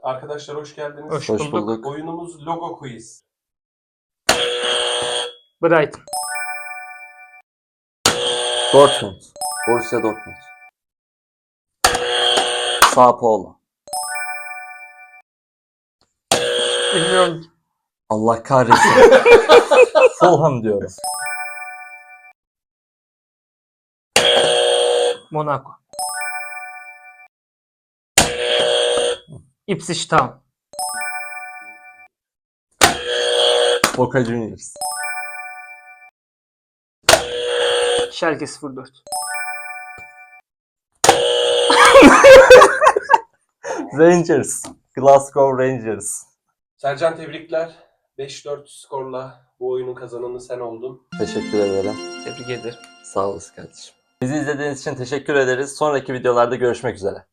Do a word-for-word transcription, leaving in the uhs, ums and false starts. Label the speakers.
Speaker 1: Arkadaşlar hoş geldiniz.
Speaker 2: Hoş
Speaker 3: Hoş
Speaker 2: bulduk.
Speaker 3: bulduk.
Speaker 1: Oyunumuz Logo Quiz.
Speaker 2: Brighton.
Speaker 3: Dortmund. Borussia Dortmund. Sao Paulo.
Speaker 2: Bilmiyorum.
Speaker 3: Allah kahretsin. Fulham diyorum.
Speaker 2: Monaco. Ipswich Town.
Speaker 3: Boca Juniors.
Speaker 2: Schalke sıfır dört.
Speaker 3: Rangers. Glasgow Rangers.
Speaker 1: Sercan tebrikler. beş dört skorla bu oyunun kazananı sen oldun.
Speaker 3: Teşekkür ederim.
Speaker 2: Tebrik ederim.
Speaker 3: Sağ olasın kardeşim. Bizi izlediğiniz için teşekkür ederiz. Sonraki videolarda görüşmek üzere.